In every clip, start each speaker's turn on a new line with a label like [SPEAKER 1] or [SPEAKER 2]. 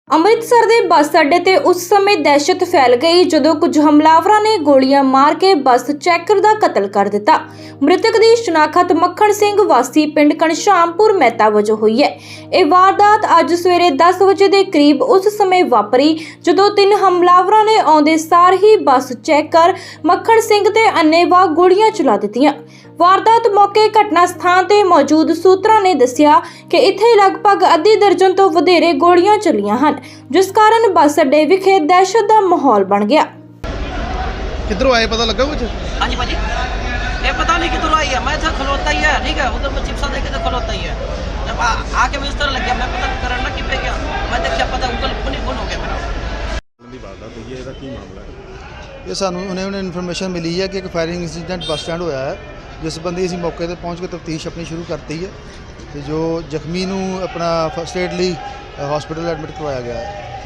[SPEAKER 1] ਅੰਮ੍ਰਿਤਸਰ ਦੇ ਬੱਸ ਅੱਡੇ ਤੇ ਉਸ ਸਮੇਂ ਦਹਿਸ਼ਤ ਫੈਲ ਗਈ ਜਦੋਂ ਕੁਝ ਹਮਲਾਵਰਾਂ ਨੇ ਗੋਲੀਆਂ ਮਾਰ ਕੇ ਬੱਸ ਚੈਕਰ ਦਾ ਕਤਲ ਕਰ ਦਿੱਤਾ। ਮ੍ਰਿਤਕ ਦੀ ਸ਼ਨਾਖਤ ਮੱਖਣ ਸਿੰਘ ਵਾਸੀ ਪਿੰਡ ਘਣਸ਼ਾਮਪੁਰ ਮਹਿਤਾ ਵਜੋਂ ਹੋਈ ਹੈ। ਇਹ ਵਾਰਦਾਤ ਅੱਜ ਸਵੇਰੇ 10 ਵਜੇ ਦੇ ਕਰੀਬ ਉਸ ਸਮੇਂ ਵਾਪਰੀ ਜਦੋਂ ਤਿੰਨ ਹਮਲਾਵਰਾਂ ਨੇ ਆਉਂਦੇ ਸਾਰ ਹੀ ਬੱਸ ਚੈਕਰ ਮੱਖਣ ਸਿੰਘ ਤੇ ਅੰਨ੍ਹੇਵਾਹ ਗੋਲੀਆਂ ਚਲਾ ਦਿੱਤੀਆਂ। ਵਾਰਦਾਤ ਮੌਕੇ ਘਟਨਾ ਸਥਾਨ ਤੇ ਮੌਜੂਦ ਸੂਤਰਾਂ ਨੇ ਦੱਸਿਆ ਕਿ ਇੱਥੇ ਲਗਭਗ ਅੱਧੀ ਦਰਜਨ ਤੋਂ ਵਧੇਰੇ ਗੋਲੀਆਂ ਚੱਲੀਆਂ ਹਨ, ਜਿਸ ਕਾਰਨ ਬੱਸ ਅੱਡੇ ਵਿਖੇ ਦਹਿਸ਼ਤ ਦਾ ਮਾਹੌਲ ਬਣ ਗਿਆ।
[SPEAKER 2] किधरों आए पता लगा कुछ?
[SPEAKER 3] हाँ जी भाजी, ये पता नहीं किधर आई है। मैं था खलोता ही है, ठीक है, उधर मैं चिप्सा देखे तो खलोता ही है। जब आके मुझे इस तरह लग गया, मैं पता करना कि पे गया, मैं देखा पता गूगल फोन हो गया मेरा।
[SPEAKER 2] ये सानू उन्हें इन्फॉर्मेशन मिली है कि एक फायरिंग इंसीडेंट बस स्टैंड होया है, जिस बंदी असीं मौके पर पहुँच के तफ्तीश अपनी शुरू करती है। तो जो जख्मी नू अपना फर्स्ट एड लई हॉस्पिटल एडमिट करवाया गया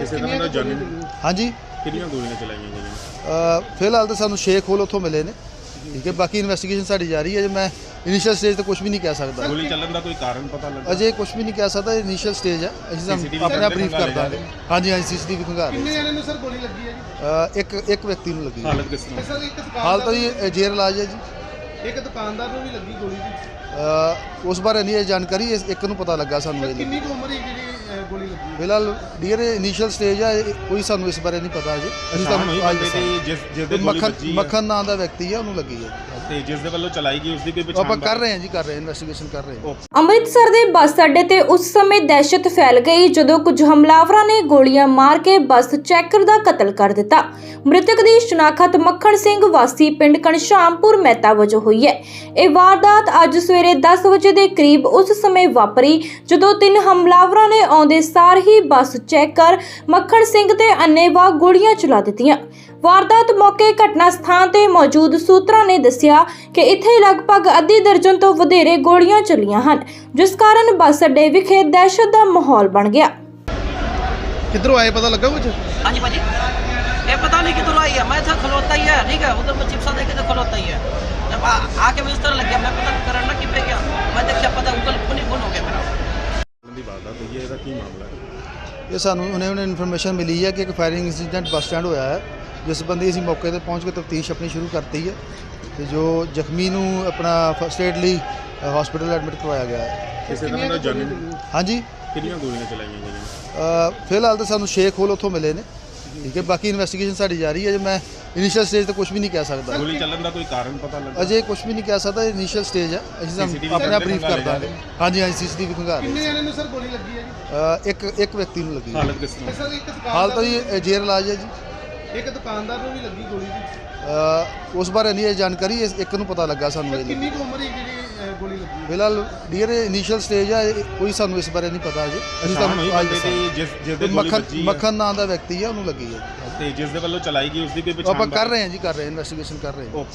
[SPEAKER 2] है। हाँ जी,
[SPEAKER 4] ਕਿੰਨੀਆਂ ਗੋਲੀਆਂ ਚਲਾਈਆਂ ਗਈਆਂ?
[SPEAKER 2] फिलहाल तो सानू शेख होल उत्थों मिले ने, ठीक है। बाकी इन्वेस्टिगेशन साडी जारी है। मैं इनिशियल स्टेज तो कुछ भी नहीं कह सकता,
[SPEAKER 4] ਗੋਲੀ ਚੱਲਣ ਦਾ ਕੋਈ ਕਾਰਨ ਪਤਾ ਲੱਗਾ?
[SPEAKER 2] अजे कुछ भी नहीं कह सकता। इनिशियल स्टेज है, ਅਸੀਂ अपने आप ब्रीफ कर ਦਾਂਗੇ। हाँ जी, हाँ जी, CCTV खंगार रहे।
[SPEAKER 5] ਕਿੰਨੇ ਜਣੇ ਨੂੰ ਸਰ ਗੋਲੀ ਲੱਗੀ ਹੈ ਜੀ?
[SPEAKER 2] एक व्यक्ति ਨੂੰ ਲੱਗੀ।
[SPEAKER 4] ਹਾਲਤ ਕਿਸ ਤਰ੍ਹਾਂ?
[SPEAKER 5] ਸਰ ਇੱਕ ਦੁਕਾਨਦਾਰ
[SPEAKER 2] हाल तो जी जेर इलाज है जी।
[SPEAKER 5] ਇੱਕ ਦੁਕਾਨਦਾਰ ਨੂੰ ਵੀ ਲੱਗੀ ਗੋਲੀ ਜੀ।
[SPEAKER 2] उस बारे नहीं जानकारी, एक ਨੂੰ ਪਤਾ ਲੱਗਾ ਸਾਨੂੰ। ਇਹ
[SPEAKER 5] ਕਿੰਨੀ ਕੁ ਉਮਰ ਹੈ ਜਿਹੜੀ ਗੋਲੀ ਲੱਗੀ?
[SPEAKER 2] ਫਿਲਹਾਲ ਡੀਅਰ ਇਨੀਸ਼ੀਅਲ ਸਟੇਜ ਹੈ, ਕੋਈ ਸਾਨੂੰ ਇਸ ਬਾਰੇ ਨਹੀਂ ਪਤਾ ਅਜੇ। ਅਸੀਂ ਤੁਹਾਨੂੰ ਅੱਜ
[SPEAKER 4] ਜਿਸ ਦੇ ਗੋਲੀ ਵੱਜੀ ਹੈ
[SPEAKER 2] ਮੱਖਣ ਨਾਂ ਦਾ ਵਿਅਕਤੀ ਹੈ, ਉਹਨੂੰ ਲੱਗੀ ਹੈ।
[SPEAKER 4] ਤੇ ਜਿਸ ਦੇ ਵੱਲੋਂ ਚਲਾਈ ਗਈ ਉਸ ਦੀ ਕੋਈ
[SPEAKER 2] ਆਪਾਂ
[SPEAKER 4] ਪਛਾਣ
[SPEAKER 2] ਕਰ ਰਹੇ ਹਾਂ ਜੀ, ਕਰ ਰਹੇ ਹਾਂ, ਇਨਵੈਸਟੀਗੇਸ਼ਨ ਕਰ ਰਹੇ ਹਾਂ।
[SPEAKER 1] ਅੰਮ੍ਰਿਤਸਰ ਦੇ ਬੱਸ ਅੱਡੇ ਤੇ ਉਸ ਸਮੇਂ ਦਹਿਸ਼ਤ ਫੈਲ ਗਈ ਜਦੋਂ ਕੁਝ ਹਮਲਾਵਰਾਂ ਨੇ ਗੋਲੀਆਂ ਮਾਰ ਕੇ ਬੱਸ ਚੈਕਰ ਦਾ ਕਤਲ ਕਰ ਦਿੱਤਾ। ਮ੍ਰਿਤਕ ਦੀ ਸ਼ਨਾਖਤ ਮੱਖਣ ਸਿੰਘ ਵਾਸੀ ਪਿੰਡ ਘਣਸ਼ਾਮਪੁਰ ਮਹਿਤਾ ਵਜੋਂ ਹੋਈ ਹੈ। ਇਹ ਵਾਰਦਾਤ ਅੱਜ ਸਵੇਰੇ 10 ਵਜੇ ਦੇ ਕਰੀਬ ਉਸ ਸਮੇਂ ਵਾਪਰੀ ਜਦੋਂ ਤਿੰਨ ਹਮਲਾਵਰਾਂ ਨੇ ਆਉਂਦੇ ਸਾਰ ਹੀ ਬੱਸ ਚੈਕਰ ਮੱਖਣ ਸਿੰਘ ਤੇ ਅੰਨ੍ਹੇਵਾਹ ਗੋਲੀਆਂ ਚਲਾ ਦਿੱਤੀਆਂ। ਵਾਰਦਾਤ ਮੌਕੇ ਘਟਨਾ ਸਥਾਨ ਤੇ ਮੌਜੂਦ ਸੂਤਰਾਂ ਨੇ ਦੱਸਿਆ ਕਿ ਇੱਥੇ ਲਗਭਗ ਅੱਧੀ ਦਰਜਨ ਤੋਂ ਵਧੇਰੇ ਗੋਲੀਆਂ ਚੱਲੀਆਂ ਹਨ, ਜਿਸ ਕਾਰਨ ਬੱਸ ਅੱਡੇ ਵਿਖੇ ਦਹਿਸ਼ਤ ਦਾ ਮਾਹੌਲ ਬਣ ਗਿਆ।
[SPEAKER 2] किधरों आए पता लगा कुछ?
[SPEAKER 3] हाँ जी भाजी, ये पता नहीं किधर आई है। मैं था खलोता ही है, ठीक है, उधर मैं चिप्सा देखे तो खलोता ही है। जब आके मुझे इस तरह लग गया, मैं पता करना कि पे गया, मैं देखा पता गूगल फोन हो गया मेरा।
[SPEAKER 4] ਦੀ ਵਾਰਦਾਤ ਹੋਈ ਹੈ, ਇਹਦਾ ਕੀ ਮਾਮਲਾ ਹੈ?
[SPEAKER 2] ਇਹ ਸਾਨੂੰ ਉन्हें ਇਨਫੋਰਮੇਸ਼ਨ ਮਿਲੀ ਹੈ ਕਿ ਇੱਕ ਫਾਇਰਿੰਗ ਇੰਸੀਡੈਂਟ ਬੱਸ ਸਟੈਂਡ ਹੋਇਆ ਹੈ, ਜਿਸ ਬੰਦੀ ਅਸੀਂ ਮੌਕੇ ਤੇ ਪਹੁੰਚ ਕੇ ਤਫਤੀਸ਼ ਆਪਣੀ ਸ਼ੁਰੂ ਕਰਤੀ ਹੈ। ਤੇ ਜੋ ਜ਼ਖਮੀ ਨੂੰ ਆਪਣਾ ਫਰਸਟ ਏਡ ਲਈ ਹਸਪੀਟਲ ਐਡਮਿਟ ਕਰਵਾਇਆ ਗਿਆ ਹੈ।
[SPEAKER 4] ਕਿਸੇ ਦਾ ਨਾਮ ਜਾਣੀ?
[SPEAKER 2] हाँ जी,
[SPEAKER 4] ਕਿੰਨੀਆਂ ਗੋਲੀਆਂ ਚਲਾਈਆਂ ਗਈਆਂ?
[SPEAKER 2] ਫਿਲਹਾਲ ਤਾਂ ਸਾਨੂੰ ਸ਼ੇਖ ਹੋਲ ਉੱਥੋਂ ਮਿਲੇ ਨੇ, ਠੀਕ ਹੈ। ਬਾਕੀ ਇਨਵੈਸਟੀਗੇਸ਼ਨ ਸਾਡੀ ਜਾਰੀ ਹੈ। ਮੈਂ ਇਨੀਸ਼ੀਅਲ ਸਟੇਜ ਤੇ ਕੁਝ ਵੀ ਨਹੀਂ ਕਹਿ ਸਕਦਾ,
[SPEAKER 4] ਗੋਲੀ ਚੱਲਣ ਦਾ ਕੋਈ ਕਾਰਨ ਪਤਾ ਲੱਗਾ?
[SPEAKER 2] ਅਜੇ ਕੁਝ ਵੀ ਨਹੀਂ ਕਹਿ ਸਕਦਾ। ਇਨੀਸ਼ੀਅਲ ਸਟੇਜ ਹੈ, ਅਸੀਂ ਤੁਹਾਨੂੰ ਆਪਣੇ ਆਪ ਬਰੀਫ ਕਰ ਦਾਂਗੇ। ਹਾਂ ਜੀ, ਹਾਂ ਜੀ, CCTV ਖੰਗਾਰ ਰਹੇ।
[SPEAKER 5] ਕਿੰਨੇ ਜਣੇ ਨੂੰ ਸਰ ਗੋਲੀ ਲੱਗੀ ਹੈ ਜੀ?
[SPEAKER 2] ਇੱਕ ਵਿਅਕਤੀ ਨੂੰ ਲੱਗੀ।
[SPEAKER 4] ਹਾਲਤ ਕਿਸ ਤਰ੍ਹਾਂ?
[SPEAKER 5] ਸਰ ਇੱਕ
[SPEAKER 2] ਹਾਲ ਤਾਂ
[SPEAKER 5] ਦੁਕਾਨਦਾਰ
[SPEAKER 2] ਜੀ ਜੇਰ ਇਲਾਜ ਹੈ ਜੀ।
[SPEAKER 5] ਇੱਕ ਦੁਕਾਨਦਾਰ ਨੂੰ ਵੀ ਲੱਗੀ ਗੋਲੀ ਜੀ।
[SPEAKER 2] ਉਸ ਬਾਰੇ ਨਹੀਂ ਜਾਣਕਾਰੀ, ਇੱਕ ਨੂੰ ਪਤਾ ਲੱਗਾ ਸਾਨੂੰ। ਇਹ
[SPEAKER 5] ਕਿੰਨੀ ਕੁ ਉਮਰ ਹੈ ਜਿਹੜੀ ਗੋਲੀ ਲੱਗੀ?
[SPEAKER 2] ਫਿਲਹਾਲ ਡੀਅਰ ਇਨੀਸ਼ੀਅਲ ਸਟੇਜ ਹੈ, ਕੋਈ ਸਾਨੂੰ ਇਸ ਬਾਰੇ ਨਹੀਂ ਪਤਾ ਅਜੇ। ਅਸੀਂ ਤੁਹਾਨੂੰ ਅੱਜ
[SPEAKER 4] ਜਿਸ ਦੇ ਗੋਲੀ ਵੱਜੀ ਹੈ
[SPEAKER 2] ਮੱਖਣ ਨਾਂ ਦਾ ਵਿਅਕਤੀ ਹੈ, ਉਹਨੂੰ ਲੱਗੀ ਹੈ।
[SPEAKER 4] ਤੇ ਜਿਸ ਦੇ ਵੱਲੋਂ ਚਲਾਈ ਗਈ ਉਸ ਦੀ ਕੋਈ
[SPEAKER 2] ਆਪਾਂ
[SPEAKER 4] ਪਛਾਣ?
[SPEAKER 2] ਕਰ ਰਹੇ ਹਾਂ ਜੀ, ਕਰ ਰਹੇ ਹਾਂ, ਇਨਵੈਸਟੀਗੇਸ਼ਨ ਕਰ ਰਹੇ ਹਾਂ।